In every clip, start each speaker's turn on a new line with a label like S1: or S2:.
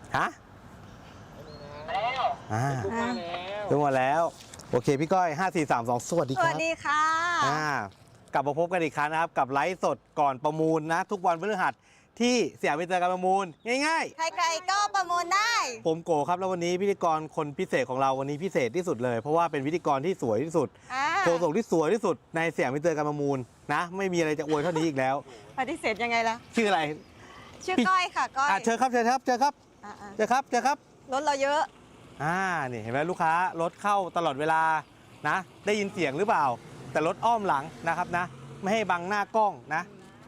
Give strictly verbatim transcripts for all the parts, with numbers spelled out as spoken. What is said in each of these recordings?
S1: ฮะ
S2: แล้ว
S1: อ่า
S2: ทุกมาแล้ว
S1: ถึงหมดแล้วโอเคพี่ก้อยห้า สี่ สาม สองสวัสดี
S3: ส
S1: ค
S3: วั
S1: รั
S3: ส
S1: บ
S3: ดีค่ะ
S1: อ่ากลับมาพบกันอีกครั้งนะครับกับไลฟ์สดก่อนประมูลนะทุกวันพฤหัสที่สยามมิตรการประมูลง่าย
S3: ใครๆก็ประมูลได้
S1: ๆ ผมโกครับแล้ววันนี้พิธีกรคนพิเศษของเราวันนี้พิเศษที่สุดเลย เพราะว่าเป็นพิธีกรที่สวยที่สุด
S3: อ่า
S1: โฆษกที่สวยที่สุดในสยามมิตรการประมูลนะไม่มีอะไรจะอวยเท่านี้อีกแล้ว
S3: ปฏิเสธยังไงล่ะ
S1: ชื่ออะไร
S3: ชื่อก้อยค่ะก้อย
S1: อ่ะเชิญครับเชิญครับเชิญครับ
S3: อ่า
S1: เชิญครับเชิญครับ
S3: ๆรถเราเยอะ
S1: อ่านี่เห็นไหมลูกค้ารถเข้าตลอดเวลานะได้ยินเสียงหรือเปล่า แต่รถอ้อมหลังนะครับนะไม่ให้บังหน้ากล้องนะ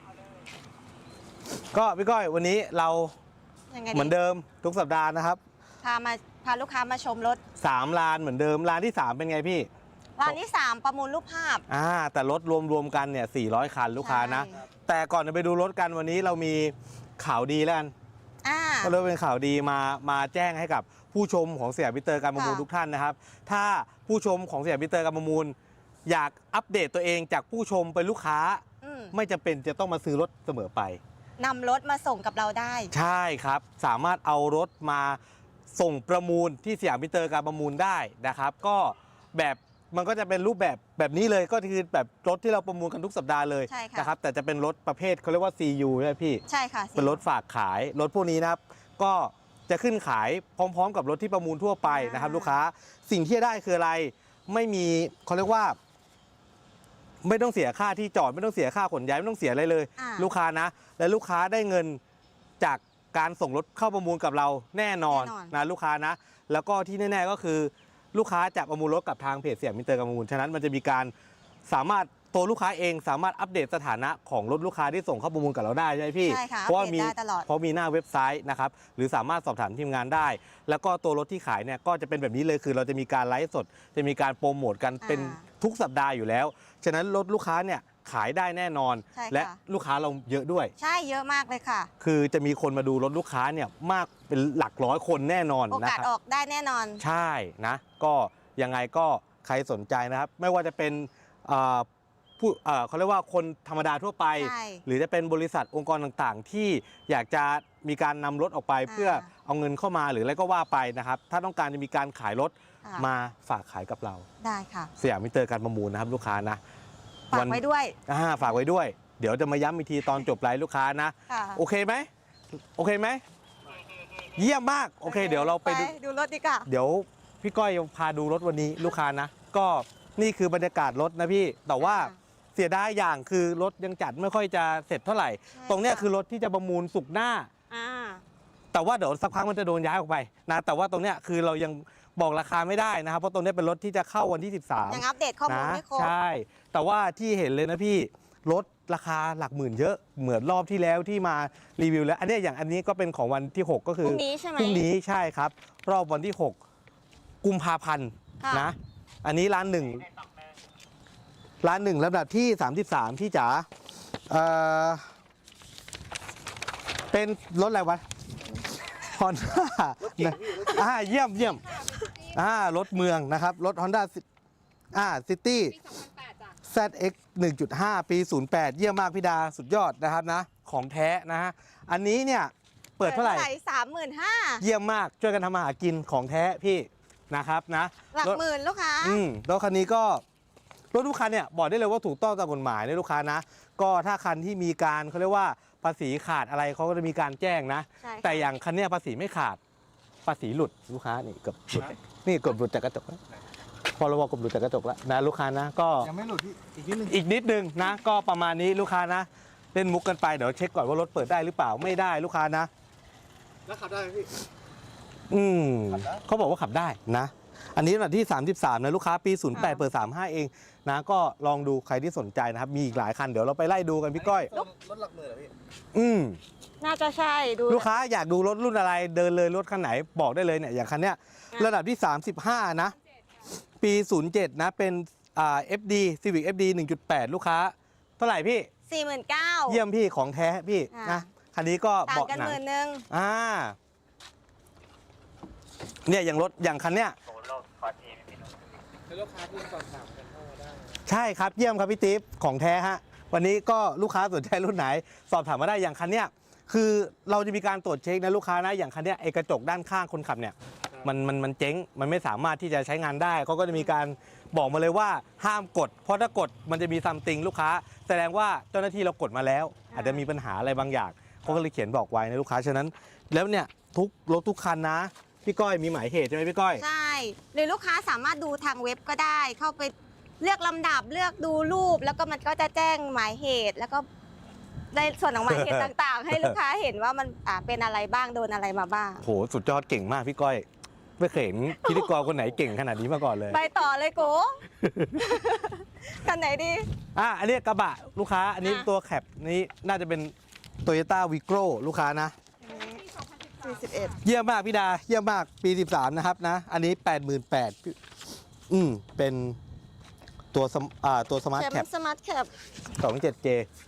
S1: ก็พี่ก้อยวันนี้เรา
S3: ยังไง
S1: เหมือนเดิมทุกสัปดาห์นะครับ
S3: พามาพาลูกค้ามาชมรถ
S1: สามลานเหมือนเดิมลานที่สามเป็นไงพี่
S3: ร้านที่สามประมูลรูปภาพ
S1: อ่าแต่รถรวมๆกันเนี่ยสี่ร้อยคันลูกค้านะ
S3: ใช่
S1: แต่ก่อนจะไปดูรถกันวันนี้เรามีข่าวดีแล้วกัน
S3: อ่า
S1: ก็เลยเป็นข่าวดีมามาแจ้งให้กับผู้ชมของสยามมิตรการประมูล
S3: ค่ะ
S1: ทุกท่านนะครับ ถ้าผู้ชมของสยามมิตรการประมูล อยากอัปเดตตัวเองจากผู้ชมเป็นลูกค้า
S3: อืม
S1: ไม่จำเป็นจะต้องมาซื้อรถเสมอไป
S3: นำรถมาส่งกับเราได้
S1: ใช่ครับ สามารถเอารถมาส่งประมูลที่สยามมิตรการประมูลได้นะครับ ก็แบบมันก็จะเป็นรูปแบบแบบนี้เลยก็คือแบบรถที่เราประมูลกันทุกสัปดาห์เลย
S3: ใช่ค่ะ
S1: นะครับแต่จะเป็นรถประเภทเขาเรียกว่า ซี ยู ใช่ไหมพี่
S3: ใช่ค่ะ
S1: เป็นรถฝากขายรถพวกนี้นะครับ ก็จะขึ้นขายพร้อมๆ กับรถที่ประมูลทั่วไปนะครับ
S3: อ่า
S1: ลูกค้าสิ่งที่จะได้คืออะไรไม่มีเขาเรียกว่า ไม่ต้องเสียค่าที่จอดไม่ต้องเสียค่าขนย้ายไม่ต้องเสียอะไรเลย
S3: อ่า
S1: ลูกค้านะ และลูกค้าได้เงินจากการส่งรถเข้าประมูลกับเราแน่นอน
S3: แน่นอน
S1: นะลูกค้านะ แล้วก็ที่แน่ๆก็คือ ลูกค้าจะประมูลรถกับทางเพจสยามมิตรการประมูลฉะนั้นมันจะมีการสามารถตัวลูกค้าเองสามารถอัปเดตสถานะของรถลูกค้าที่ส่งเข้าประมูลกับเราได้ใช่ไหมพี่
S3: ใช่ค่ะ
S1: เพราะว่า
S3: อัปเดต
S1: มี
S3: ได้ตลอด
S1: เพราะมีหน้าเว็บไซต์นะครับหรือสามารถสอบถามทีมงานได้ แล้วก็ตัวรถที่ขายเนี่ยก็จะเป็นแบบนี้เลยคือเราจะมีการไลฟ์สด จะมีการโปรโมทกันเป็นทุกสัปดาห์อยู่แล้วฉะนั้นรถลูกค้าเนี่ยขายได้แน่นอน
S3: ใช่ค่ะ
S1: และลูกค้าเราเยอะด้วย
S3: ใช่เยอะมากเลยค่ะ
S1: คือจะมีคนมาดูรถลูกค้าเนี่ยมากเป็นหลักร้อยคนแน่นอน
S3: โอ
S1: นะ
S3: กาส
S1: ครับ
S3: ออกได้แน่นอน
S1: ใช่นะก็ยังไงก็ใครสนใจนะครับ ไม่ว่าจะเป็นเอ่อผู้เอ่อเขาเรียกว่าคนธรรมดาทั่วไป
S3: ใช่
S1: หรือจะเป็นบริษัทองค์กรต่างๆ ที่อยากจะมีการนำรถออกไป
S3: อ่า
S1: เพื่อเอาเงินเข้ามาหรืออะไรก็ว่าไปนะครับ ถ้าต้องการจะมีการขายรถ
S3: ค่ะ
S1: มาฝากขายกับเรา
S3: ได้ค่ะ
S1: สยามมิตรการประมูลนะครับลูกค้านะ
S3: ฝากไว้ด้วย
S1: อ่าฝากไว้ด้วย เดี๋ยวจะมาย้ำอีกทีตอนจบไลฟ์ลูกค้านะ
S3: ค่ะ
S1: โอเคไหมโอเคไหมเยี่ยมมากโอเค เดี๋ยวเราไปดู
S3: ดูรถดีกว่า
S1: เดี๋ยวพี่ก้อยพาดูรถวันนี้ลูกค้านะ ก็นี่คือบรรยากาศรถนะพี่ แต่ว่า
S3: อ่า
S1: เสียดายอย่างคือรถยังจัดไม่ค่อยจะเสร็จเท่าไหร่
S3: ใช่
S1: ตรงเนี้ย
S3: ค่ะ
S1: คือรถที่จะประมูลสุกร์หน้า
S3: อ่า
S1: แต่ว่าเดี๋ยวสักพักมันจะโดนย้ายออกไปนะแต่ว่าตรงเนี้ยคือเรายังบอกราคาไม่ได้นะครับเพราะตรงเนี้ยเป็นรถที่จะเข้าวันที่สิบสาม
S3: ยังอัปเดตข้อมูล
S1: นะ
S3: ไม่ครบ
S1: ใช่ แต่ว่าที่เห็นเลยนะพี่รถราคาหลักหมื่นเยอะเหมือนรอบที่แล้วที่มารีวิวแล้ว อันเนี้ยอย่างอันนี้ก็เป็นของวันที่หกก็คือ
S3: พรุ่งนี้ใช่ไหม
S1: พรุ่งนี้ใช่ครับ รอบวันที่หกกุมภาพันธ์
S3: ค่ะ
S1: นะอันนี้ร้านหนึ่งร้านหนึ่งลำดับที่สามสิบสามพี่จ๋าเอ่อเป็นรถอะไรวะฮอนด้าอ่าเยี่ยมเยี่ยมอ่ารถเมืองนะครับ รถ Honda อ่าซิตี้ แซด เอ็กซ์ หนึ่งจุดห้า ปี ศูนย์แปด เยี่ยมมากพี่ดาสุดยอดนะครับนะ ของแท้นะฮะ อันนี้เนี่ยเปิดเท่าไหร่
S3: สามหมื่นห้า
S1: เยี่ยมมากช่วยกันทำมาหากินของแท้พี่นะครับนะ
S3: หลัก
S1: รถ
S3: หมื่นลูกค้า
S1: อืมรถคันนี้ก็รถทุกคันเนี่ยบอกได้เลยว่าถูกต้องตามกฎหมายนะลูกค้านะ ก็ถ้าคันที่มีการเขาเรียกว่าภาษีขาดอะไรเขาก็จะมีการแจ้งนะ
S3: ใช่ค่ะ
S1: แต่อย่างคันเนี้ยภาษีไม่ขาดภาษีหลุดลูกค้านี่เกือบหลุดนี่เกือบหลุดจากกระจกแล้วพอเราบอกเกือบหลุดจากกระจกแล้วนะลูกค้านะก็
S2: ยังไม่หลุดพี่อีกนิดนึง
S1: อีกนิดนึงนะ ก็ประมาณนี้ลูกค้านะ เล่นมุกกันไปเดี๋ยวเช็คก่อนว่ารถเปิดได้หรือเปล่าไม่ได้ลูกค้านะ
S2: แล้วขับได้ไหมพี่
S1: อืม
S2: ขับได้
S1: เขาบอกว่าขับได้นะ อันนี้ระดับที่สามสิบสามนะลูกค้าปีศูนย์แปด
S3: ค่ะ
S1: เปิดสามสิบห้าเองนะก็ลองดูใครที่สนใจนะครับ มีอีกหลายคันเดี๋ยวเราไปไล่ดูกันพี่ก้อย
S2: รถรถหลักหมื่นเหรอพี่
S1: อืม
S3: น่าจะใช่ดู
S1: ลูกค้าอยากดูรถรุ่นอะไรเดินเลยรถคันไหนบอกได้เลยเนี่ยอย่างคันเนี้ย
S3: อ่ะ
S1: ระดับที่สามสิบห้านะ ปีศูนย์เจ็ดนะเป็นอ่า เอฟ ดี Civic เอฟ ดี หนึ่งจุดแปด ลูกค้าเท่าไหร่พี่
S3: สี่หมื่นเก้า
S1: เยี่ยมพี่ของแท้พี่
S3: อ่ะ
S1: นะคันนี้ก็
S3: ต่าง
S1: เบาะ
S3: กัน
S1: หนั
S3: ห
S1: ง
S3: มื่นหนึ่ง
S1: อ่าเนี่ยอย่างรถอย่างคันเนี้ย
S2: แล้วลูกค้าที่สอบถามกันเข้ามาได้
S1: ใช่ครับเยี่ยมครับพี่ติ๊บของแท้ฮะวันนี้ก็ลูกค้าสนใจรุ่นไหน สอบถามมาได้อย่างคันเนี้ยคือเราจะมีการตรวจเช็คนะลูกค้านะอย่างคันเนี้ยไอ้กระจกด้านข้างคนขับเนี่ยมันมันมันเจ๊งมันไม่สามารถที่จะใช้งานได้เขาก็จะมีการบอกมาเลยว่าห้ามกด เพราะถ้ากดมันจะมีซัมติงลูกค้า แสดงว่าเจ้าหน้าที่เรากดมาแล้ว อาจจะมีปัญหาอะไรบางอย่างเขาก็เลยเขียนบอกไว้นะลูกค้าฉะนั้น แล้วเนี่ยทุกรถทุกคันนะพี่ก้อยมีหมายเหตุใช่ไหมพี่ก้อย
S3: ใช่หรือลูกค้าสามารถดูทางเว็บก็ได้ เข้าไปเลือกลำดับเลือกดูรูป แล้วก็มันก็จะแจ้งหมายเหตุ แล้วก็ในส่วนของหมายเหตุ ต่างๆ ให้ลูกค้าเห็นว่ามันอ่าเป็นอะไรบ้างโดนอะไรมาบ้าง
S1: โหสุดยอดเก่งมากพี่ก้อยไม่เคยเห็นพิธีกรคนไหนเก่งขนาดนี้มาก่อนเลย
S3: ไปต่อเลยโก คันไหนดี
S1: อ่ะอันนี้กระบะลูกค้าอันนี้
S3: อ่ะ
S1: ตัวแคปนี้น่าจะเป็น Toyota Vigro ลูกค้านะ
S3: สี่สิบเอ็ด
S1: เยี่ยมมากพี่ดาเยี่ยมมากปีสิบสามนะครับนะอันนี้ แปดหมื่นแปดพัน อืมเป็นตัวสมอ่าตัวสมาร์ท
S3: แค
S1: แค
S3: ป
S1: ป
S3: สมาร์ทแคป
S1: สองเจ็ดเจ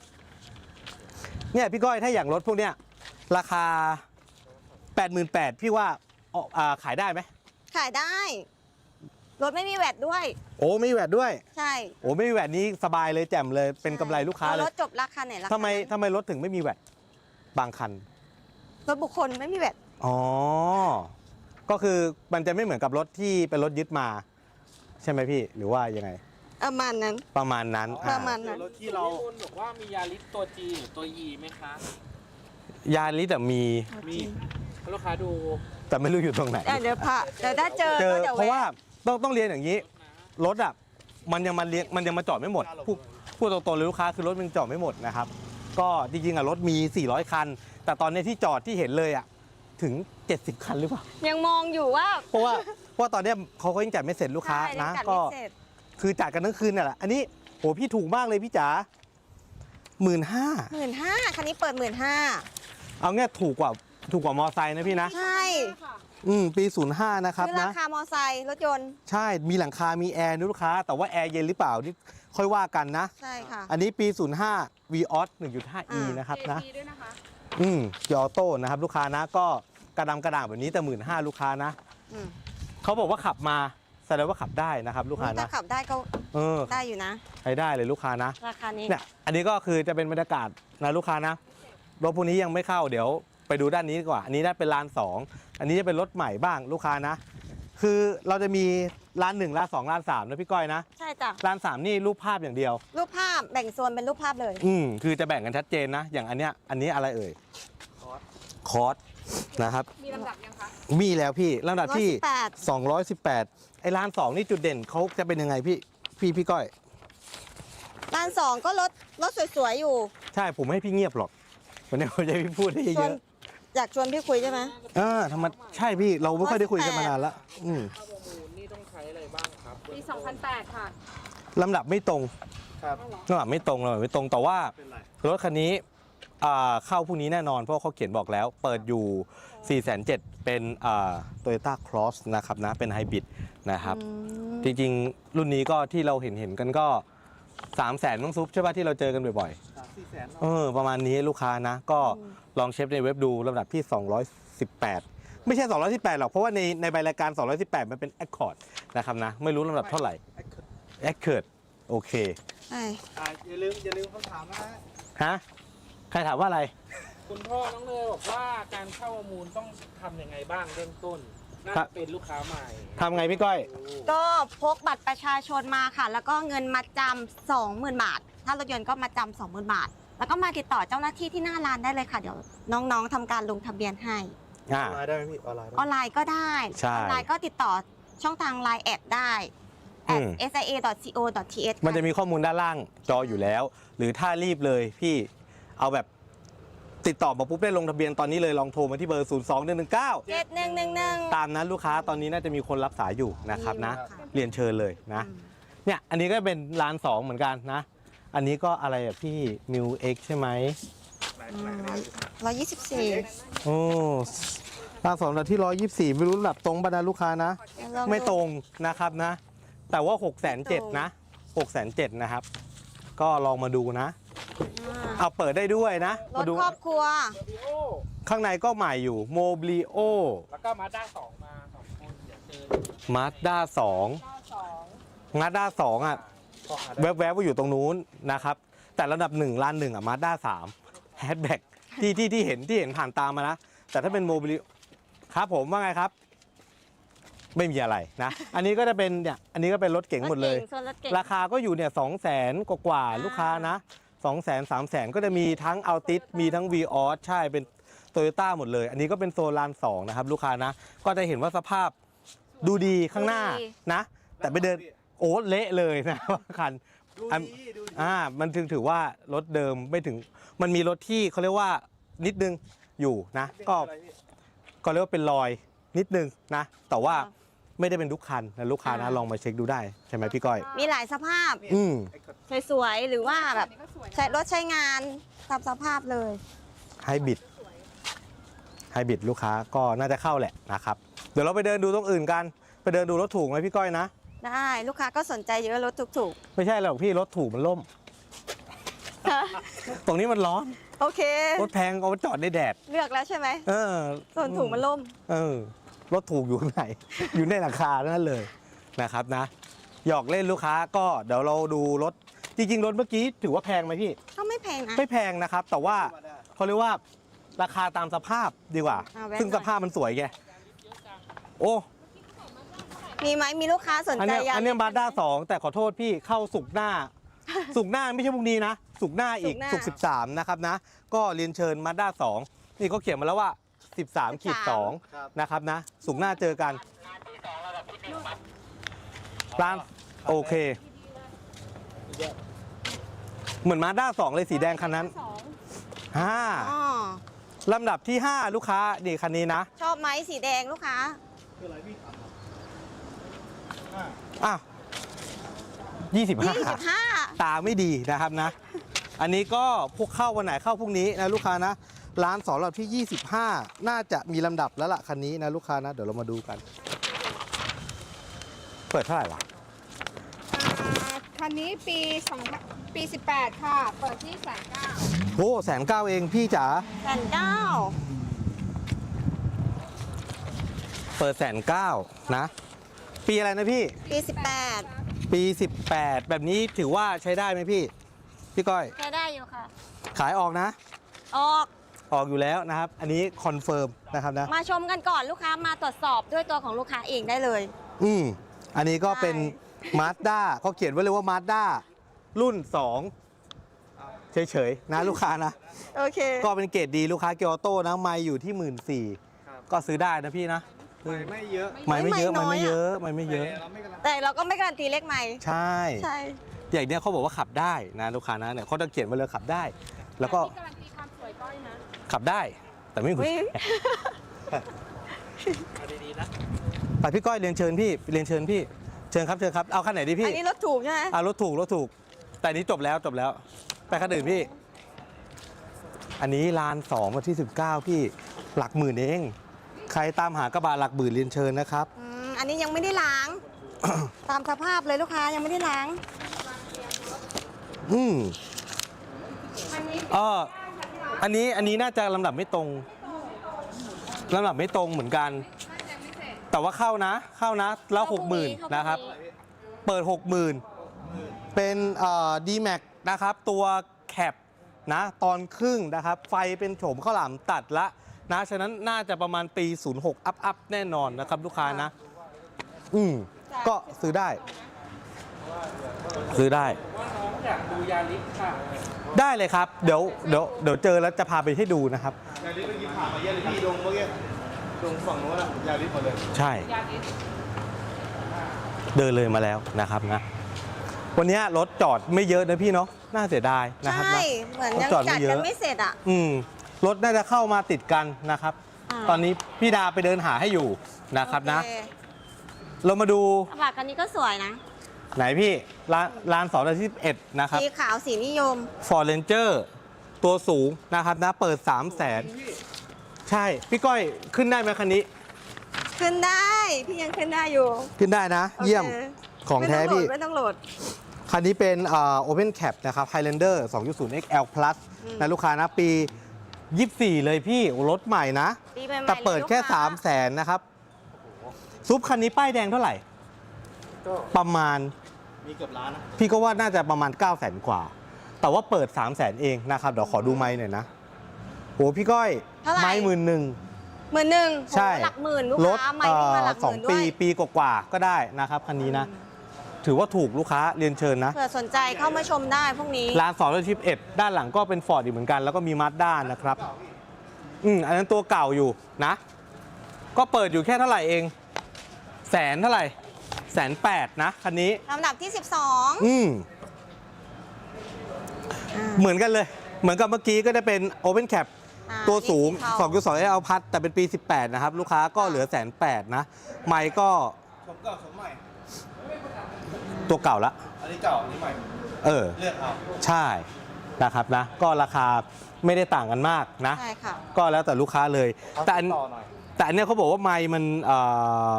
S1: เนี่ยพี่ก้อยถ้าอย่างรถพวกเนี้ยราคา แปดหมื่นแปดพัน พี่ว่าออกอ่าขายได้ไหม
S3: ขายได้ รถไม่มีแวดด้วย
S1: โอ้ไม่มีแวดด้วย
S3: ใช่
S1: โอ้ไม่มีแวดนี้สบายเลยแจ่มเลยเป็นกำไรลูกค้าเล
S3: ร
S1: ย
S3: ถจบราคาไหนราคา
S1: ทำไม
S3: นั้น
S1: ทำไมรถถึงไม่มีแวดบางคัน
S3: รถบุคคลไม่มีแวด
S1: อ๋อ ก็คือมันจะไม่เหมือนกับรถที่เป็นรถยึดมา ใช่ไหมพี่หรือว่ายังไง
S3: ประมาณนั้น
S1: ประมาณนั้น
S3: ป
S1: อ่า
S3: ระมาณนั้น
S2: รถที่เราคุณบอกว่ามียาริสตัว G หรือตัว E ไหมคะ
S1: ยาลิสอะมี
S2: มีลูกค้าดู
S1: แต่ไม่รู้อยู่ตรงไหน
S3: เดี๋ยวเดี๋ยวพาเดี๋ยวถ้าเจอ
S1: เจอ
S3: ก็เดี๋ยว
S1: เพราะ
S3: แวะ
S1: ว่าต้องต้องเรียนอย่างนี้ รถอ่ะมันยังมาเรียงมันยังมาจอดไม่หมดพูดพูดตรงๆเลยลูกค้าคือรถมันจอดไม่หมดนะครับ ก็จริงๆอ่ะรถมี สี่ร้อย คัน แต่ตอนนี้ที่จอดที่เห็นเลยอ่ะถึง เจ็ดสิบ คันหรือเปล่า
S3: ยังมองอยู่ว่า
S1: เพราะว่าเพราะว่าตอนเนี้ยเขาก็ยังจัดไม่เสร็จลูกค้า
S3: ใช่
S1: นะ
S3: ยังจัด
S1: ก็
S3: ไม่เสร็จ
S1: คือจัดกันทั้งคืนน่ะแหละอันนี้โหพี่ถูกมากเลยพี่จ๋าหมื่นห้า
S3: หมื่นห้าคันนี้เปิดหมื่นห้า
S1: เอาเงี้ยถูกกว่าถูกกว่ามอไซค์นะพี่นะ
S3: ใช่
S1: อืมปีศูนย์ห้านะครับ
S3: คือรา
S1: นะ
S3: คามอไซค์รถยนต์
S1: ใช่มีหลังคามีแอร์นะลูกค้า แต่ว่าแอร์เย็นหรือเปล่านี่ค่อยว่ากันนะ
S3: ใช่ค่ะ
S1: อันนี้ปี ศูนย์ห้า Vios หนึ่งจุดห้า E
S3: อ่าน
S1: นะครับนะ
S4: เจ พี ด้วยนะคะ
S1: อืมยอโต้นะครับลูกค้านะก็กระดำกระด่างแบบนี้แต่หมื่นห้าลูกค้านะ
S3: อืม
S1: เขาบอกว่าขับมาแสดงว่าขับได้นะครับลูกค้า
S3: ถ้า
S1: นะ
S3: ขับได้ก็
S1: เออ
S3: ได้อยู่นะ
S1: ใช้ได้เลยลูกค้านะ
S3: ราคานี้
S1: เนี่ยอันนี้ก็คือจะเป็นบรรยากาศนะลูกค้านะรถพวกนี้ยังไม่เข้าเดี๋ยวไปดูด้านนี้ดีกว่า อันนี้ได้เป็นลานสองอันนี้จะเป็นรถใหม่บ้างลูกค้านะ คือเราจะมีลานหนึ่งลานสองลานสามนะพี่ก้อยนะ
S3: ใช่จ้ะ
S1: ลานสามนี่รูปภาพอย่างเดียว
S3: รูปภาพแบ่งโซนเป็นรูปภาพเลย
S1: อืมคือจะแบ่งกันชัดเจนนะ อย่างอันเนี้ยอันนี้อะไรเอ่ยคอร์สนะครับ
S4: มีลำดับยังคะ
S1: มีแล้วพี่ลำดับที่
S3: แปด
S1: สองร้อยสิบแปดไอ้ร้านสองนี่จุดเด่นเขาจะเป็นยังไงพี่พี่พี่ก้อย
S3: ร้านสองก็รถรถสวยๆอยู่
S1: ใช่ผมไม่ให้พี่เงียบหรอกวันนี้ผมจะให้พี่พูดได้
S3: ช
S1: เย
S3: วน
S1: อะ
S3: อยากชวนพี่คุยใช่ไหม
S1: อ่าทำไมใช่พี่เราไม่ค่อยได้คุยกันมานานละอืม
S2: ข้าวประมูลนี่ต้องใช้อะไรบ้างครับ
S4: ปี สองพันแปด ค่ะ
S1: ลำดับไม่ตรง
S2: ครับ
S1: ลำดับไม่ตรงลำดับไม่ตรงแต่ว่า
S2: เป็นไร
S1: รถคันนี้อ่าเข้าพรุ่งนี้แน่นอนเพราะเขาเขียนบอกแล้ว เปิดอยู่ สี่แสนเจ็ดหมื่น เป็นอ่า Toyota Cross นะครับนะเป็นไฮบริดนะครับ
S3: อืม
S1: จริงๆ รุ่นนี้ก็ที่เราเห็นเห็นกันก็ สามแสนต้องซุปใช่ป่ะที่เราเจอกันบ่อย
S2: สามสี่แสน
S1: ๆเออประมาณนี้ลูกค้านะ ก็ลองเช็คในเว็บดูลำดับที่ สองร้อยสิบแปด ไม่ใช่ สองร้อยสิบแปด หรอก เพราะว่าในในใบรายการ สองร้อยสิบแปด มันเป็น Accord นะครับนะ ไม่รู้ลำดับเท่าไหร่ Accord โอเค
S3: ใช่
S2: อ่าอย่าลืมอย่าลืมคำถามนะฮะ
S1: ฮะ ใครถามว่าอะไร
S2: คุณพ่อน้องเนยบอกว่าการเข้าประมูลต้องทำยังไงบ้างเริ่มต้นน่า
S1: ครับ
S2: จะเป็นลูกค้าใหม่
S1: ทำไงพี่ก้อย
S3: ก็พกบัตรประชาชนมาค่ะ แล้วก็เงินมาจำสองหมื่นบาท ถ้ารถยนต์ก็มาจำสองหมื่นบาท แล้วก็มาติดต่อเจ้าหน้าที่ที่หน้าร้านได้เลยค่ะ เดี๋ยวน้องๆทำการลงทะเบียนให้
S1: อ่า
S2: ออนไลน์ได้ไหมพี่ออนไลน์
S3: ออนไลน์ก็ได้
S1: ใช่
S3: ออนไลน์ก็ติดต่อช่องทางไลน์แอดได้
S1: อื
S3: at
S1: ม
S3: เอส ไอ เอ ดอท ซี โอ ดอท ที เอช
S1: มันจะมีข้อมูลด้านล่างจออยู่แล้ว หรือถ้ารีบเลยพี่เอาแบบติดต่อมาปุ๊บได้ลงทะเบียนตอนนี้เลยลองโทรมาที่เบอร์ ศูนย์ สอง หนึ่ง หนึ่ง เก้า
S3: เจ็ดหนึ่งหนึ่งหนึ่ง
S1: ตามนั้นลูกค้าตอนนี้น่าจะมีคนรับสายอยู่นะครับนะ
S3: ค่ะ
S1: เรียนเชิญเลยนะ เนี่ยอันนี้ก็เป็นร้านสองเหมือนกันนะ อันนี้ก็อะไรอ่ะพี่มิวเอ็กใช่ไหม
S3: ร้อยยี่สิบสี่
S1: โอ้ร้านสองระดับที่ร้อยยี่สิบสี่ไม่รู้ระดับตรงบรรดาลูกค้านะ ไม่ตรงนะครับนะ แต่ว่าหกแสนเจ็ดนะหกแสนเจ็ดนะครับ ก็ลองมาดูนะ เอาเปิดได้ด้วยนะ
S3: ร
S1: มา
S3: ถ
S1: ดู
S3: ครอบครัว
S2: วิโอ
S1: ข้างในก็ใหม่อยู่โมบ l ิโอ
S2: แล้วก็มาด้าสองมาสองคนเดี๋ยวเจอ
S1: มาด้าสองมาด้าสองอ่ะ
S2: ขอหาได้
S1: แวบๆว่าอยู่ตรงนู้นนะครับ แต่ระดับหนึ่งล้านหนึ่งอ่ะมาด้าสามแฮชแบ็กที่ที่ที่เห็นที่เห็นผ่านตามมานะแต่ถ้าเป็นโมบิลิครับผมว่าไงครับ ไม่มีอะไรนะ อันนี้ก็จะเป็นเนี่ยอันนี้ก็เป็นรถเก๋งหมดเลย
S3: รถก๋งส่วนรถเก๋ง
S1: ราคาก็อยู่เนี่ยสองแสนกว่าๆลูกค้านะสองแสนสามแสนก็จะมีทั้งอัลติสมีทั้ง วีออสใช่เป็นโตโยต้าหมดเลย อันนี้ก็เป็นโซลานสองนะครับลูกค้านะ ก็จะเห็นว่าสภาพดูดีข้างหน้านะ แต่ไปเดินโอ้เละเลยนะ คัน
S2: ดู
S1: อัน
S2: ดีดูดี
S1: อ่ามันถึงถือว่ารถเดิมไม่ถึงมันมีรถที่เขาเรียกว่านิดนึงอยู่นะก็ก็เรียกว่าเป็นรอยนิดนึงนะแต่ว่าไม่ได้เป็นทุกคันนะลูกค้านะลองมาเช็คดูได้ใช่ไหมพี่ก้อย
S3: มีหลายสภาพ
S1: อืม
S3: สวยๆหรือว่าแบบ
S4: อันนี้ก็สวยนะ
S3: ใช้รถใช้งานตามสภาพเลย
S1: ไฮบริดไฮบริดลูกค้าก็น่าจะเข้าแหละนะครับเดี๋ยวเราไปเดินดูตรงอื่นกันไปเดินดูรถถูกไหมพี่ก้อยนะ
S3: ได้ลูกค้าก็สนใจเยอะรถถูก
S1: ไม่ใช่หรอกพี่รถถูกมันล่ม
S3: ๆ
S1: ตรงนี้มันร้อน
S3: โอเค
S1: รถแพงเอาไปจอดในแดด
S3: เลือกแล้วใช่ไหม
S1: เออ
S3: ส่วนถูกมันล่ม
S1: เออรถถูกอยู่ข้างใน อยู่ในราคานั่นเลยนะครับนะหยอกเล่นลูกค้าก็เดี๋ยวเราดูรถจริงๆรถเมื่อกี้ถือว่าแพงไหมพี่
S3: ก็ไม่แพงนะ
S1: ไม่แพงนะครับ แต่ว่าเขาเรียกว่าราคาตามสภาพดีกว่า
S3: อ่าแวะ
S1: ซึ่ง
S3: หน่
S1: ส
S3: อย
S1: ภาพมันสวยไงโอ้
S3: มีไหมมีลูกค้าสน
S1: อัน
S3: ใจ
S1: เนี้ย
S3: ยัง
S1: อันเนี้มาด้าสองแต่ขอโทษพี่เข้าสุกร์หน้า สุกร์หน้าไม่ใช่พรุ่งนี้นะสุกร์หน้าอีกสุกร์สิบสามนะครับนะก็เรียนเชิญมาด้าสองนี่เขาเขียนมาแล้วว่าสิบสามขีดสองนะครับนะสุกร์หน้าเจอกันร้านโอเค เหมือนมาด้าสองเลยสีแดงคันนั้น
S4: สอง
S1: ห้า
S3: อ๋อ
S1: ลำดับที่ห้าลูกค้านี่คันนี้นะ
S3: ชอบไหมสีแดงลูกค้า
S1: อ้าวยี่สิบห้า
S3: ยี่สิบห้า
S1: ตาไม่ดีนะครับนะ อันนี้ก็พวกเข้าวันไหนเข้าพรุ่งนี้นะลูกค้านะ ร้านสองลำดับที่ยี่สิบห้าน่าจะมีลำดับแล้วล่ะคันนี้นะลูกค้านะ เดี๋ยวเรามาดูกัน เปิดเท่าไหร่วะ
S4: อ่าคันนี้ปีสองปีสิบแปดค่ะ เปิดที่แสนเก้า
S1: โอ้แสนเก้าเองพี่จ๋า
S3: แสนเก้า
S1: เปิดแสนเก้านะ ปีอะไรนะพี่
S3: ปีสิบแปด
S1: ปีสิบแปดแบบนี้ถือว่าใช้ได้ไหมพี่ พี่ก้อย
S3: ใช้ได้อยู่ค่ะ
S1: ขายออกนะ
S3: ออก
S1: ออกอยู่แล้วนะครับ อันนี้คอนเฟิร์มนะครับนะ
S3: มาชมกันก่อนลูกค้ามาตรวจสอบด้วยตัวของลูกค้าเองได้เลย
S1: อืมอันนี้ก็
S3: ใช่
S1: เป็นมาสด้าเขาเขียนไว้เลยว่ามาสด้ารุ่นสองเฉยๆนะลูกค้านะ
S3: โอเค
S1: ก็เป็นเกรดดีลูกค้าเกียร์ออโต้นะไม่อยู่ที่หมื่นสี่ก็ซื้อได้นะพี่นะ
S2: ไม่เยอะ
S1: ไม่ไม่เยอะ
S3: ไม่
S1: ไม่
S3: น้อย
S1: ไม่
S3: อะ
S1: เยอะไม่ไม่เยอะ
S2: เราไม่กำลัง
S3: แต่เราก็ไม่การันตีเลขใหม่
S1: ใช่
S3: ใช่
S1: อย่างเนี้ยเขาบอกว่าขับได้นะลูกค้านะเนี่ยเขาจะเขียนไว้เลยขับได้ แล้วก็
S4: ที่การันตีความสวยก้อยนะ
S1: ขับได้ แต่ไม่
S3: อุ๊ย
S2: เอาดีๆนะ
S1: ไปพี่ก้อยเรียนเชิญพี่เรียนเชิญพี่เชิญครับเชิญครับเอาคันไหนดีพี่
S3: อันนี้รถถูกใช่ไหม
S1: อ่ารถถูกรถถูก แต่อันนี้จบแล้วจบแล้ว ไปคันอื่นพี่ อันนี้ลานสองวันที่สิบเก้าพี่หลักหมื่นเอง ใครตามหากระบะหลักหมื่นเรียนเชิญนะครับ
S3: อืมอันนี้ยังไม่ได้ล้าง ตามสภาพเลยลูกค้ายังไม่ได้ล้าง
S1: อืม
S4: อันนี้
S1: เอออันนี้อันนี้น่าจะลำดับไม่ตรงลำดับไม่ตรงเหมือนกัน แต่ว่าเข้านะ เข้านะ แล้วหกหมื่นนะครับ เปิดหกหมื่นเป็นเอ่อ ดีแม็ก นะครับ ตัวแคปนะ ตอนครึ่งนะครับ ไฟเป็นโฉมข้าวหลามตัดละนะ ฉะนั้นน่าจะประมาณปี ศูนย์หก อัพอัพแน่นอนนะครับ ลูกค้านะ อืมก็ซื้อได้ ซื้อได้
S2: ว่าน้องอยากดูยาลิสค่ะ
S1: ได้เลยครับ เดี๋ยวเดี๋ยวเดี๋ยวเจอแล้วจะพาไปให้ดูนะครับ
S5: ยาลิสเมื่อกี้ผ่านมาเยอะเลยพี่ดงเมื่อกี้ดงฝั่งโน้นอะยาลิสหมดเลย
S1: ใช่
S4: ยาลิส
S1: เดินเลยมาแล้วนะครับนะ วันนี้รถจอดไม่เยอะนะพี่เนาะน่าเสียดายนะครับ
S3: ใช่
S1: นะ
S3: เหมือนยัง
S1: จอดไม่
S3: จัด
S1: เยอะ
S3: กันไม่เสร็จอ่ะ
S1: อืมรถน่าจะเข้ามาติดกันนะครับ
S3: อ่า
S1: ตอนนี้พี่ดาไปเดินหาให้อยู่นะครับนะ
S3: โอเค
S1: เรามาดู
S3: กระบะคันนี้ก็สวยนะ
S1: ไหนพี่ร้านร้านสองที่สิบเอ็ดนะครับ
S3: สีขาวสีนิยม
S1: Ford Ranger ตัวสูงนะครับนะ เปิด สามแสน ใช่ พี่ก้อยขึ้นได้ไหมคันนี้
S3: ขึ้นได้ พี่ยังขึ้นได้อยู่
S1: ขึ้นได้นะ เยี่ยม
S3: โค
S1: ของแท้พี่
S3: ไม่ต้องโหลด
S1: คันนี้เป็นเอ่อ Open Cap นะครับ Highlander สองจุดศูนย์ เอ็กซ์ แอล Plus
S3: อืม
S1: นะลูกค้านะ ปี ยี่สิบสี่ เลยพี่โอ้รถใหม่นะ
S3: ปีใหม่ๆ
S1: แต่เปิดแค่
S3: ลยลูก
S1: สามแสนนะครับ ซุปคันนี้ป้ายแดงเท่าไหร่
S5: ก็
S1: ประมาณ
S5: มีเกือบล้านนะ
S1: พี่ก็ว่าน่าจะประมาณ เก้าแสน กว่า แต่ว่าเปิด สามแสน เองนะครับ เดี๋ยวขอดูไมค์หน่อยนะโหพี่ก้อย
S3: เท่าไหร่
S1: ไม้หมื่นหนึ่ง
S3: หมื่นหนึ่ง
S1: ใช่
S3: หลักหมื่นลูก
S1: รถ
S3: ค้าไม่วิ่งมาหลักห
S1: สอง
S3: มื่นด้
S1: ปี
S3: วย
S1: ปีกว่าๆก็ได้นะครับคันนี้นะ ถือว่าถูกลูกค้าเรียนเชิญนะ
S3: เผื่อสนใจเข้ามาชมได้พวกนี้
S1: ร้านสองร้อยสิบเอ็ดด้านหลังก็เป็นฟอร์ดอีกเหมือนกัน แล้วก็มีมาสด้านะครับ อืมอันนั้นตัวเก่าอยู่นะ ก็เปิดอยู่แค่เท่าไหร่เอง แสนเท่าไหร่แสนแปดนะคันนี้
S3: ลำดับที่ สิบสอง
S1: อืม
S3: อ่า
S1: เหมือนกันเลย เหมือนกับเมื่อกี้ก็จะเป็น Open Cap
S3: อ่า
S1: ตัวสูง
S3: นี่สีเทา
S1: สองจุดสอง เอ ล พัดแต่เป็นปี สิบแปด นะครับ ลูกค้าก็เหลือแสนแปดนะ ไมค์ก็
S5: ผมเก่าผมใหม่
S1: ตัวเก่าละ
S5: อันนี้เก่าอันนี้ใหม่
S1: เออ
S5: เลือกเอา
S1: ใช่นะครับนะ ก็ราคาไม่ได้ต่างกันมากนะ
S3: ใช่ค่ะ
S1: ก็แล้วแต่ลูกค้าเลย แต่อัน
S5: ต่อหน่อย
S1: แต่อันเนี้ยเขาบอกว่าไมค์มันเอ่อ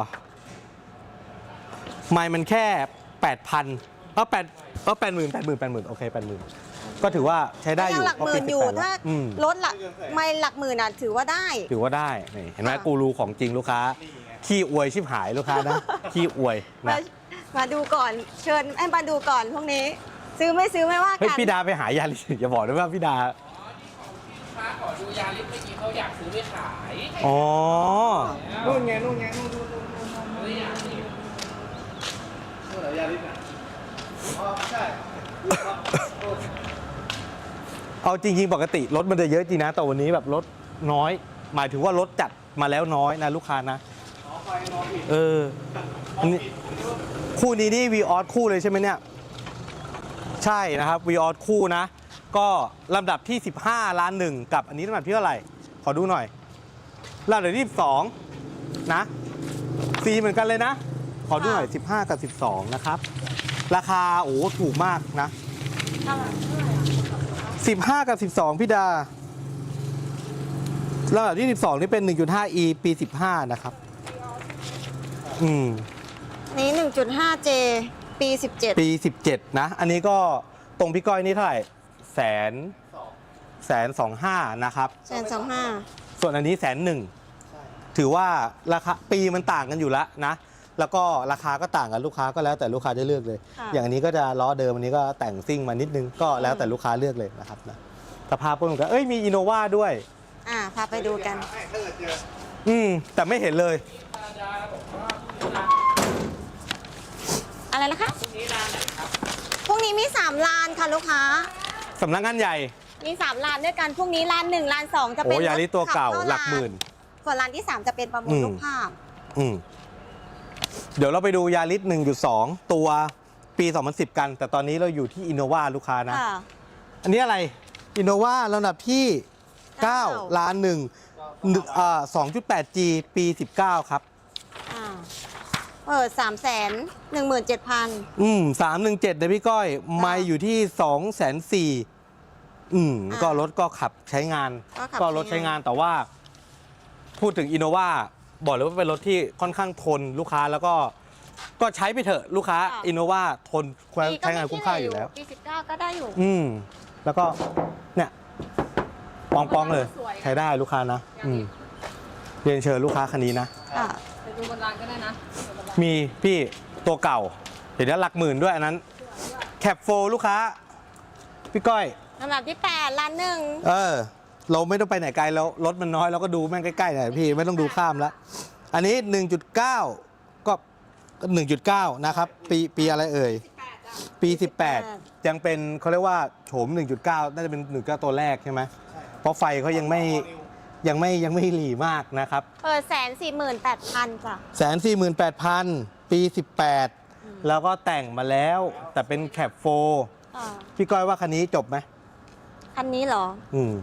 S1: ไมค์มันแค่แปดพันเออแปดเออแปดหมื่นแปดหมื่นแปดหมื่นโอเคแปดหมื่นก็ถือว่าใช้ได้อ
S3: ยั
S1: ยู่
S3: งหลักหมื่นอยู่
S1: เพระปีสิบแปด
S3: ถ้า
S1: แล้วอืม
S3: ลดหลักไม่หลักหมื่นอ่ะถือว่าได้
S1: ถือว่าได้นี่เห็นไหม
S3: ค่ะ
S1: กูรูของจริงลูกค้า ขี้อวยชิบหายลูกค้านะ ขี้อวย
S3: มา
S1: นะ
S3: มาดูก่อนเชิญให้มาดูก่อนพวกนี้ ซื้อไม่ซื้อไม่ว่า
S1: เฮ้ย
S3: กัน
S1: พี่ดาไปหายาลิสอย่าบอกนะว่าพี่ดา
S2: ค้าขอดูยาลิสเมื่อกี้เขาอยากซื้อไปขาย
S1: อ๋อ
S5: นู่นไงนู่นไงนู่นนู่นนู่นนู่น
S2: เขาเลยอยากนี่
S5: นู่นเหรอยาลิสน่ะอ๋อใช่
S1: เอาจริงๆปกติรถมันจะเยอะจริงนะ แต่วันนี้แบบรถน้อย หมายถึงว่ารถจัดมาแล้วน้อยนะลูกค้านะ
S5: อ๋อไฟมองผิด
S1: เอออันนี้คู่นี้นี่วีออสคู่เลยใช่ไหมเนี่ย ใช่นะครับวีออสคู่นะ ก็ลำดับที่ สิบห้า ล้านหนึ่งกับอันนี้ลำดับที่เท่าไหร่ ขอดูหน่อยลำดับที่สิบสองนะสีเหมือนกันเลยนะ ขอดูหน่อย สิบห้า กับ สิบสอง นะครับ ราคาโอ้ถูกมากนะ สิบห้า กับ สิบสอง พี่ดาลำดับที่ สิบสอง นี่เป็น หนึ่งจุดห้า อี ปี สิบห้า นะครับ อืม
S3: นี้ หนึ่งจุดห้า เจ ปี สิบเจ็ด
S1: ปี สิบเจ็ด นะ อันนี้ก็ตรงพี่ก้อยนี่เท่าไหร่แสนแสนสองห้านะครับ
S3: แสนสองห้า
S1: ส่วนอันนี้แสนหนึ่งถือว่าราคาปีมันต่างกันอยู่แล้วนะ แล้วก็ราคาก็ต่างกันลูกค้าก็แล้วแต่ลูกค้าจะเลือกเลย
S3: ค่ะ
S1: อย่างอันนี้ก็จะล้อเดิมอันนี้ก็แต่งซิ่งมานิดนึงก็แล้วแต่ลูกค้าเลือกเลยนะครับนะสภาพก็เหมือนกันเอ้ยมีอินโนวาด้วย
S3: อ่าพาไปดูกัน
S5: ให้ถ้าเกิดเจอ
S1: อืมแต่ไม่เห็นเลย
S3: อะไรนะคะพรุ่งนี้มีสามลานค่ะลูกค้า
S1: สำนักงานใหญ่
S3: มีสามลานด้วยกันพรุ่งนี้ลานหนึ่งลานสองจะ
S1: โอ้
S3: เป็น
S1: ยาริสตัวเก่า
S3: ขับข้
S1: หลักหมื่น
S3: ส่วนลานที่สามจะเป็นประมู
S1: อื
S3: ล
S1: ม
S3: รูปภาพ
S1: อืมเดี๋ยวเราไปดูยาริส หนึ่งจุดสอง ตัวปี สองพันสิบ กัน แต่ตอนนี้เราอยู่ที่อินโนวาลูกค้านะ
S3: ค่ะ
S1: อันนี้อะไรอินโนวาลำดับที่
S3: เก้า
S1: เก้า ล้านหนึ่งอ่า สองจุดแปด จี ปี สิบเก้า ครับ
S3: อ่าเปิดสามแสนหนึ่งหมื่นเจ็ดพัน
S1: อืมสามหนึ่งเจ็ดนะพี่ก้อย ไม่อยู่ที่สองแสนสี่อืม
S3: อ่า
S1: ก็รถก็ขับใช้งาน
S3: ก็ขับ
S1: ก็รถ
S3: ใช้
S1: ใช้
S3: งาน
S1: งานแต่ว่า พูดถึงอินโนวาบอกเลยว่าเป็นรถที่ค่อนข้างทนลูกค้าแล้วก็ ก็ใช้ไปเถอะลูกค้าอินโนวาทนใช้งานคุ้มค่าอยู่แล้ว
S3: ปีสิบเก้าก็ได้อยู่
S1: อืม แล้วก็เนี่ยปองปองๆเลย ใช้ได้ลูกค้านะ อืมเรียนเชิญลูกค้าคันนี้นะ
S3: ค่ะ
S4: ไปดูบนร้านก็ได้นะ
S1: มีพี่ตัวเก่า เห็นแล้วหลักหมื่นด้วยอันนั้น แคปโฟลูกค้า พี่ก้อย
S3: ลำดับที่แปดลานหนึ่ง
S1: เออ เราไม่ต้องไปไหนไกลแล้วรถมันน้อยเราก็ดูแม่งใกล้ๆหน่อยพี่ไม่ต้องดูข้ามแล้ว อันนี้ หนึ่งจุดเก้า ก็ หนึ่งจุดเก้า นะครับ ปีปีอะไรเอ่ย ปี สิบแปด ยังเป็นเขาเรียกว่าโฉม หนึ่งจุดเก้า น่าจะเป็น หนึ่งจุดเก้า ตัวแรกใช่ไหมเพราะไฟเขายังไม่ยังไม่ยังไม่หลีมากนะครับ
S3: เปิดแสนสี่หมื่นแปดพันจ้ะ
S1: แสนสี่หมื่นแปดพันปี สิบแปด แล้วก็แต่งมาแล้ว แต่เป็นแคปโฟ
S3: อ่า
S1: พี่ก้อยว่าคันนี้จบไหม
S3: คันนี้เหรอ
S1: อืม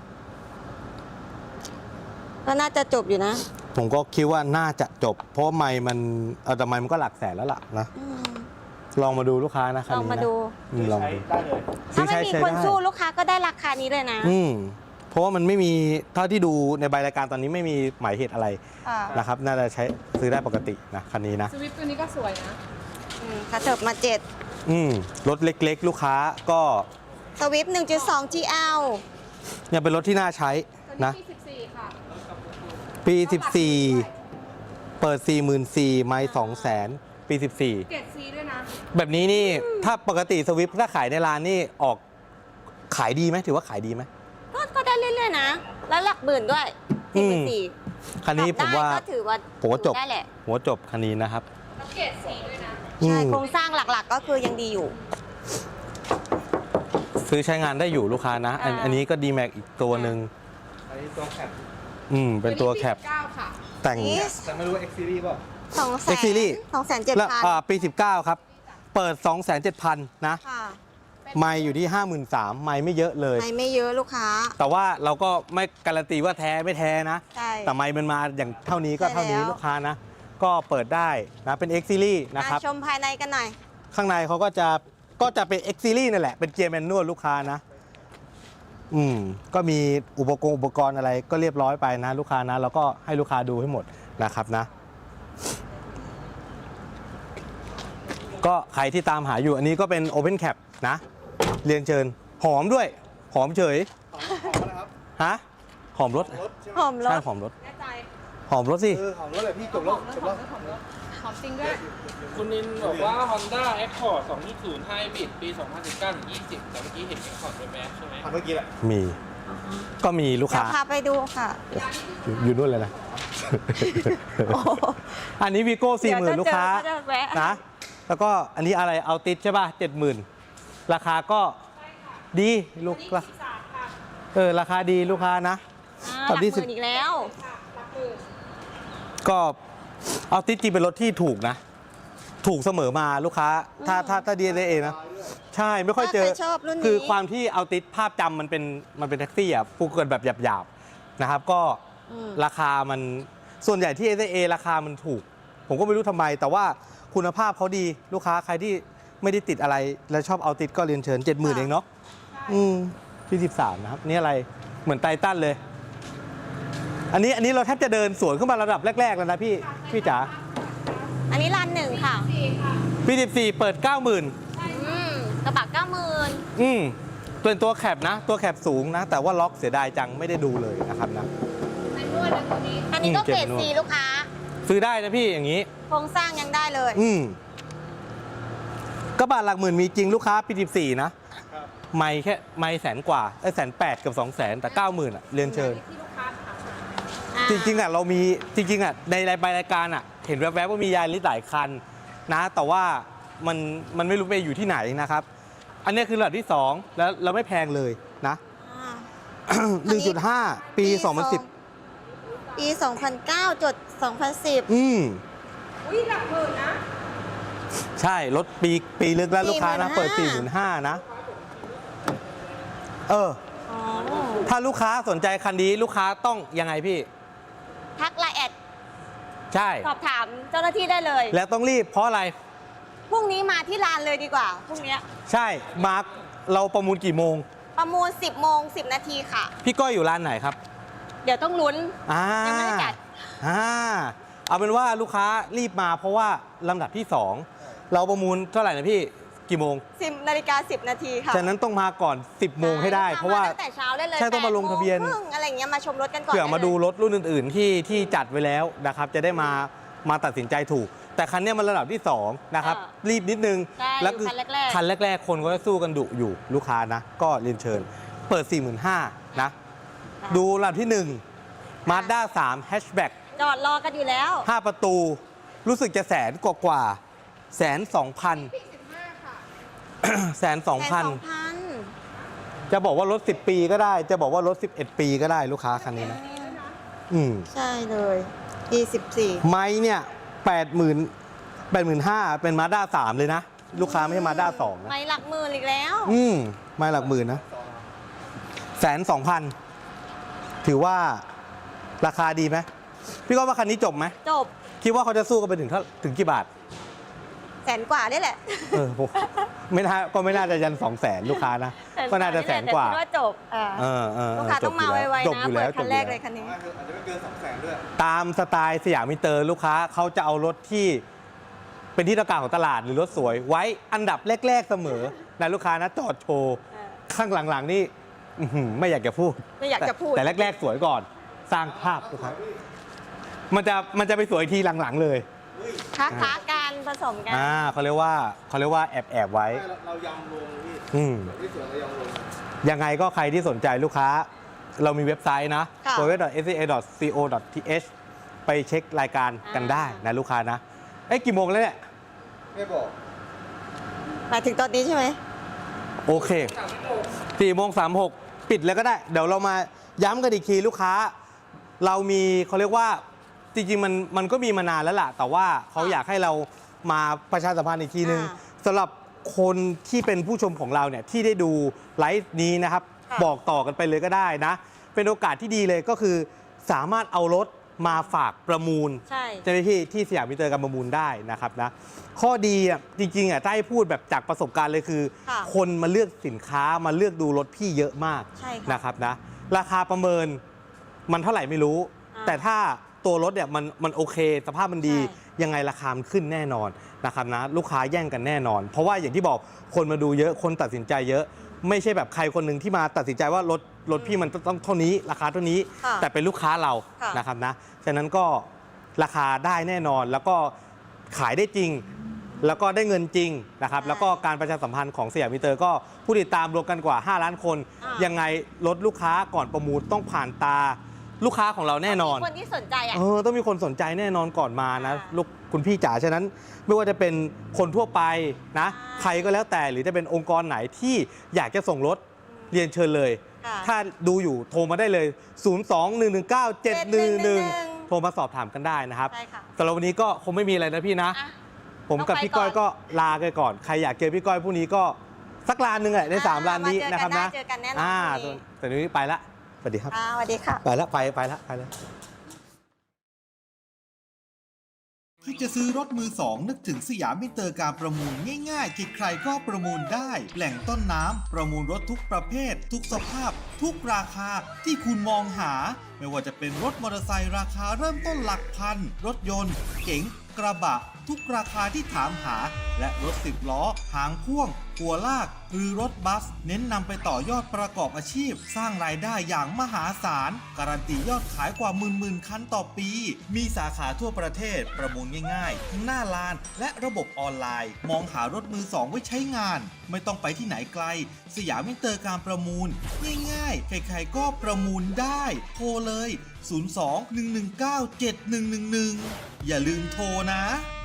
S3: ก็น่าจะจบอยู่นะ
S1: ผมก็คิดว่าน่าจะจบ เพราะไม่มันเออแต่ไม่มันก็หลักแสนแล้วล่ะนะ
S3: อืม
S1: ลองมาดูลูกค้านะคัน
S3: ลอง
S1: นี้
S3: มา
S1: นะ
S3: ดู
S1: อืมลองดู
S5: ได้เลย
S3: ถ้าไม่มี
S1: ใช้
S3: คน
S1: ได้
S3: สู้ลูกค้าก็ได้ราคานี้เลยนะ
S1: อืมเพราะว่ามันไม่มีเท่าที่ดูในใบรายการตอนนี้ไม่มีหมายเหตุอะไร
S3: ค่ะ
S1: นะครับ น่าจะใช้ซื้อได้ปกตินะคันนี้นะ
S4: สวิฟต์ตัวนี้ก็สวยนะ
S3: อืมกระเถิบมาเจ็ด
S1: อืมรถเล็กๆ ลูกค้าก็
S3: สวิฟต์หนึ่งจุดสอง จี แอล
S1: ยังเป็นรถที่น่าใช้
S4: ตัวนี้
S1: นะ
S4: ปีสิบสี่ค่ะ
S1: ปี สิบสี่ เปิด สี่หมื่นสี่พัน ไม่สองแสนปี สิบสี่
S4: เกรดซีด้วยนะ
S1: แบบนี้นี่ถ้าปกติสวิฟถ้าขายในร้านนี่ออกขายดีไหมถือว่าขายดีไหม
S3: ก็ก็ได้เรื่อยๆนะแล้วหลักหมื่นด้วย
S1: อื
S3: สี่ห
S1: ม
S3: มื่นสี่
S1: คันนี้ผมว่า
S3: ก็ถือว่า
S1: ผมว่าจบ
S3: ได้แหละ
S1: หัวจบคันนี้นะครับ
S4: แล้วเกรดสีด้วยนะ
S1: อื
S3: ใช่
S1: ม
S3: โครงสร้างหลักๆก็คือยังดีอยู่
S1: ซื้อใช้งานได้อยู่ลูกค้านะ อัน
S3: อ่า
S1: อันนี้ก็ดีแม็กอีกตัวหนึ่ง
S5: อันนี้ตัวแคป
S1: อืมเป็นตัวแคป
S4: เก้าค่ะ
S1: แต่ง
S3: นี่
S5: แต่ไม่รู้ว่า X Series เปล่า
S3: สองแสน
S1: X Series
S3: สองแสนเจ็ด
S1: แล้ว
S3: พัน
S1: อ่าปี สิบเก้า ครับ เปิด สองแสนเจ็ดพัน นะ
S3: ค่ะ
S1: ไม่อยู่ที่ ห้าหมื่นสามพัน ไม่ไม่เยอะเลย
S3: ไม่ไม่เยอะลูกค้า
S1: แต่ว่าเราก็ไม่การันตีว่าแท้ไม่แท้นะ
S3: ใช่
S1: แต่ไม่มันมาอย่างเท่านี้ก็
S3: ใช่
S1: เท่านี้
S3: แล้ว
S1: ลูกค้านะ ก็เปิดได้นะเป็น X Series นะครับ
S3: อ่ะชมภายในกันหน่อย
S1: ข้างในเขาก็จะก็จะเป็น X Series นั่นแหละ เป็นเกียร์แมนนวลลูกค้านะ อืม ก็มีอุปกรณ์อุปกรณ์อะไรก็เรียบร้อยไปนะลูกค้านะ แล้วก็ให้ลูกค้าดูให้หมดนะครับนะ ก็ใครที่ตามหาอยู่อันนี้ก็เป็น Open Cap นะ เรียนเชิญ หอมด้วย หอมเฉย
S5: หอมหอมนะครับ
S1: ฮะ หอมรถ
S5: รถใช่ไหม
S3: หอมร
S1: ใช่
S3: ถ
S1: หอมรถ
S4: แน่ใจ
S1: หอมรถสิ
S5: เออหอมรถเลยพี่จบแล้วจบแล้ว
S4: หอมจริงด้วย
S2: คุณนินบอกว่า Honda Accord สองจุดศูนย์ Hybrid ปี สองพันสิบเก้าถึงยี่สิบ แต่เมื่อกี้เห็น Accord เป็นแมสใช่ไหม
S5: ผ่านเมื่อกี้แหละ
S1: มี ก็มีลูก
S3: เดี๋ย
S1: ค้า
S3: วพาไปดูค่ะ
S1: อยู่อยู่นู่นเลยนะ อันนี้วีโก้สี่หมื่น
S3: เดี๋ยว
S1: ลูกค้า
S3: จะเจอก็จะแวะ
S1: นะ แล้วก็อันนี้อะไรเอาติดใช่ป่ะเจ็ดหมื่นราคาก็ดีลูกละเออราคาดีลูกค้านะ
S3: อ่า
S1: ต
S3: ห
S1: อ
S3: ลั
S1: น
S3: ก
S1: ที่
S3: ห
S1: สิบ
S3: มื่นอีกแล้ว
S1: ก็เอาติดจริงเป็นรถที่ถูกนะ ถูกเสมอมาลูกค้า ถ้าถ้าถ้าดีเอนะ ใช่ไม่ค่อยเจอ
S3: ถ้าใครชอบรุ่นนี้
S1: คือความที่เอาติดภาพจำมันเป็นมันเป็นแท็กซี่อ่ะพูดกันแบบหยาบๆนะครับ ก็
S3: อืม
S1: ราคามันส่วนใหญ่ที่ เอ เอ ราคามันถูก ผมก็ไม่รู้ทำไม แต่ว่าคุณภาพเขาดีลูกค้าใครที่ไม่ได้ติดอะไร แล้วชอบเอาติดก็เรียนเชิญ เจ็ดหมื่น เองเนาะอืมที่สิบสามนะครับ นี่อะไรเหมือนไททันเลย อันนี้อันนี้เราแทบจะเดินสวนขึ้นมาระดับแรก ๆ แล้วนะพี่ พี่จ๋า
S3: อันนี้รันหนึ่งค่ะ
S1: ปีสิบสี่เปิด เก้าหมื่น
S3: อืมกระบะเก้าหมื่น
S1: อืมเป็นตัวแคปนะ ตัวแคปสูงนะ แต่ว่าล็อกเสียดายจังไม่ได้ดูเลยนะครับนะ
S3: อันนี้ก็
S1: อืมเก็
S3: เก
S1: บ
S3: รด
S1: นวด
S3: ซีลูกค้า
S1: ซื้อได้นะพี่อย่างนี้
S3: โครงสร้างยังได้เลย
S1: อืมกระบะหลักหมื่นมีจริงลูกค้าปีสิบสี่นะ
S5: ครับ
S1: ไม่แค่ไม่แสนกว่าไอ้แสนแปดกับสองแสนแต่เก้าหมื่นอ่ะเรียนเชิญ จริงๆอ่ะเรามีจริงๆอ่ะในรายรายการอ่ะเห็นแวบๆว่ามียาลิสหลายคันนะ แต่ว่ามันมันไม่รู้ไปอยู่ที่ไหนนะครับ อันนี้คือระดับที่สองแล้วเราไม่แพงเลยนะ
S3: อ่า
S1: หนึ่งจุดห้า ปี สองพันสิบ
S3: ปี สองพันเก้าจดสองพันสิบ
S1: อืม
S4: อุ้ยหลักหมื่นนะ
S1: ใช่รถปีปีลึกแล้วลูกค้านะ เปิด สี่หมื่นห้าพัน นะ เออ
S3: อ๋อ
S1: ถ้าลูกค้าสนใจคันนี้ลูกค้าต้องยังไงพี่
S3: ทักไลน์แอด
S1: ใช่
S3: สอบถามเจ้าหน้าที่ได้เลย
S1: แล้วต้องรีบเพราะอะไร
S3: พรุ่งนี้มาที่ร้านเลยดีกว่า พรุ่งนี้
S1: ใช่มาร์คเราประมูลกี่โมง
S3: ประมูล สิบโมงสิบนาทีค่ะ
S1: พี่ก้อยอยู่ร้านไหนครับ
S3: เดี๋ยวต้องลุ้น
S1: อ่า
S3: ยังไม่ได้จัด
S1: อ่าเอาเป็นว่าลูกค้ารีบมาเพราะว่าลำดับที่สองเราประมูลเท่าไหร่นะพี่กี่โมง
S3: สิบนาฬิกาสิบนาทีค่ะ
S1: ฉะนั้นต้องมาก่อน สิบโมงให้ได้ เพราะว่า
S3: ตั้งแต่เช้าได้เลย
S1: ใช่ต้องมาลงทะเบียน
S3: แปดโมงครึ่งอะไรอย่างเงี้ยมาชมรถกันก่อน
S1: เผื่อมา
S3: ไเลย
S1: ดูรถรุ่นอื่น ๆ ที่ที่จัดไว้แล้วนะครับ จะได้มามาตัดสินใจถูก แต่คันเนี้ยมันระดับที่สองนะครับ
S3: อ่า
S1: รีบนิดนึง
S3: ใช่
S1: แล้ว
S3: อยู่คันแรกๆ
S1: คันแรก ๆ คนก็จะสู้กันดุอยู่ลูกค้านะ ก็เรียนเชิญ เปิด สี่หมื่นห้าพัน นะ ดูลำดับที่หนึ่ง Mazda สาม Hatchback
S3: จอดรอกันอยู่แล้ว
S1: ห้าประตู รู้สึกจะแสนกว่ากว่าแสนสองพัน แสนสองพัน
S3: สองพัน
S1: จะบอกว่ารถสิบปีก็ได้ จะบอกว่ารถสิบเอ็ดปีก็ได้ลูกค้าคันนี้นะ อืม
S3: ใช่เลยปีสิบสี่
S1: ไม้เนี่ยแปดหมื่นแปดหมื่นห้าเป็นมาด้าสามเลยนะ ลูกค้าไม่ใช่มาด้าสองนะ
S3: ไม่หลักหมื่นอีกแล้ว
S1: อืมไม้หลักหมื่นนะแสนสองพันถือว่าราคาดีไหมพี่ก็ว่าคันนี้จบไหม
S3: จบ
S1: คิดว่าเขาจะสู้กันไปถึงเท่าถึงกี่บาท
S3: แสนกว่าได้แหละ
S1: เออผมไม่น่าก็ไม่น่าจะยันสองแสนลูกค้านะ ก็น่าจะแสนกว่า
S3: แต่คิดว่าจบอ่า
S1: เออเออ
S3: ลูกค้าต้องมาไว
S1: จบ
S3: ๆ
S1: อ
S3: นะ
S1: ยู่
S3: เปิ
S1: แล้
S3: ด
S1: วจ
S3: คั
S1: บ
S3: น
S1: อ
S3: แร
S1: ยู่
S3: กเล
S1: แล้ว
S3: ยคันนี้
S5: อาจจะไม่เกินสองแสนด้วย
S1: ตามสไตล์สยามมินเตอร์ลูกค้าเขาจะเอารถที่เป็นที่ต้องการของตลาดหรือรถสวย ไว้อันดับแรก ๆเสมอนะลูกค้านะจอดโชว์
S3: เออ
S1: ข้างหลังๆนี่อื้อหือไม่อยากจะพูด
S3: ไม่อยากจะพูด
S1: แต่แต่แรก ๆ สวยก่อนสร้างภาพลูกค้ามันจะมันจะไปสวยทีหลังๆเลย
S3: ค้าค้าการผสมกัน
S1: อ่าเขาเรียกว่าเขาเรียกว่าแอบแอบๆไว้
S5: เราเรายำลงพี่
S1: อืม
S5: ที่สวนเรายำลง
S1: ยังไงก็ใครที่สนใจลูกค้าเรามีเว็บไซต์นะ
S3: ค่ะ
S1: ดับเบิลยู ดับเบิลยู ดับเบิลยู ดอท เอส ซี เอ ดอท ซี โอ ดอท ที เอช ไปเช็ครายการกันได้นะลูกค้านะเอ้ยกี่โมงแล้วเนี่ย
S5: ไม่บอก
S3: หมายถึงตอนนี้ใช่ไหม
S1: โอเคสี่โมงสามหกปิดเลยก็ได้ เดี๋ยวเรามาย้ำกันอีกทีลูกค้า เรามีเขาเรียกว่าจริงๆมันมันก็มีมานานแล้วล่ะ แต่ว่าเขาอยากให้เรามาประชาสัมพันธ์อีกทีนึง
S3: อ่า
S1: สำหรับคนที่เป็นผู้ชมของเราเนี่ยที่ได้ดูไลฟ์นี้นะครับ
S3: ค่ะ
S1: บอกต่อกันไปเลยก็ได้นะ เป็นโอกาสที่ดีเลยก็คือสามารถเอารถมาฝากประมูล
S3: ใช่
S1: เจ้าหน้าที่ที่สยามมิเตอร์การประมูลได้นะครับนะข้อดีอ่ะจริงๆอ่ะถ้าให้พูดแบบจากประสบการณ์เลยคือ
S3: ค่ะ
S1: คนมาเลือกสินค้ามาเลือกดูรถพี่เยอะมาก
S3: ใช่ค่ะ
S1: นะครับนะราคาประเมินมันเท่าไหร่ไม่รู้
S3: อ่า
S1: แต่ถ้าตัวรถเนี่ยมันมันโอเค สภาพมันดี
S3: ใช่
S1: ยังไงราคามันขึ้นแน่นอนนะครับนะลูกค้าแย่งกันแน่นอน เพราะว่าอย่างที่บอกคนมาดูเยอะคนตัดสินใจเยอะ ไม่ใช่แบบใครคนหนึ่งที่มาตัดสินใจว่ารถรถพี่มันต้องเท่านี้ ราคาเท่านี้
S3: ค่ะ
S1: แต่เป็นลูกค้าเรา
S3: ค่ะ
S1: นะครับนะฉะนั้นก็ราคาได้แน่นอน แล้วก็ขายได้จริง แล้วก็ได้เงินจริงนะครับ
S3: ใช่
S1: แล้วก็การประชาสัมพันธ์ของสยามมิเตอร์ก็ผู้ติดตามรวมกันกว่า ห้า ล้านคน
S3: อ่า
S1: ยังไงรถลูกค้าก่อนประมูลต้องผ่านตาลูกค้าของเราแน่นอน
S3: มีคนที่สนใจอ่ะ
S1: เออต้องมีคนสนใจแน่นอนก่อนมานะ
S3: อ่า
S1: ลูกคุณพี่จ๋าฉะนั้นไม่ว่าจะเป็นคนทั่วไปนะ
S3: อ่า
S1: ใครก็แล้วแต่หรือจะเป็นองค์กรไหนที่อยากจะส่งรถเรียนเชิญเลย
S3: ค่ะ
S1: ถ้าดูอยู่โทรมาได้เลย ศูนย์ สอง หนึ่ง หนึ่ง เก้า เจ็ด หนึ่ง หนึ่ง โทรมาสอบถามกันได้นะครับ
S3: ใช่ค่ะ
S1: สำหรับวันนี้ก็คงไม่มีอะไรนะพี่นะ
S3: อ่ะ
S1: ผมกับ
S3: ต้องไป
S1: พี่ก้อย
S3: ก่อน
S1: ก็ลากันก่อน ใครอยากเจอพี่ก้อยพรุ่งนี้ก็สักลานหนึ่งแหละในสาม
S3: อ่า
S1: ลานนี้
S3: มาเจอกัน
S1: นะครับ
S3: ได้
S1: นะ
S3: เจอกันแน่นอน
S1: อ่า
S3: พรุ่งนี้
S1: แต่เดี๋ยวนี้ไปละสวัสดีครับ
S3: อ่าสวัสดีค่ะ
S1: ไปละไปไปละไปละ
S6: ที่จะซื้อรถมือสองนึกถึงสยามมิเตอร์การประมูลง่ายๆใครๆก็ประมูลได้ แหล่งต้นน้ำประมูลรถทุกประเภท ทุกสภาพ ทุกราคาที่คุณมองหา ไม่ว่าจะเป็นรถมอเตอร์ไซค์ราคาเริ่มต้นหลักพัน รถยนต์ เก๋งกระบะ ทุกราคาที่ถามหา และรถสิบล้อ หางพ่วง หัวลาก หรือรถบัส เน้นนำไปต่อยอดประกอบอาชีพ สร้างรายได้อย่างมหาศาล การันตียอดขายกว่าหมื่นๆคันต่อปี มีสาขาทั่วประเทศ ประมูลง่ายๆ ทั้งหน้าลาน และระบบออนไลน์ มองหารถมือสองไว้ใช้งาน ไม่ต้องไปที่ไหนไกล สยามมิเตอร์การประมูล ง่ายๆ ใครๆก็ประมูลได้ โทรเลย ศูนย์ สอง หนึ่ง หนึ่ง เก้า เจ็ด หนึ่ง หนึ่ง หนึ่ง อย่าลืมโทรนะ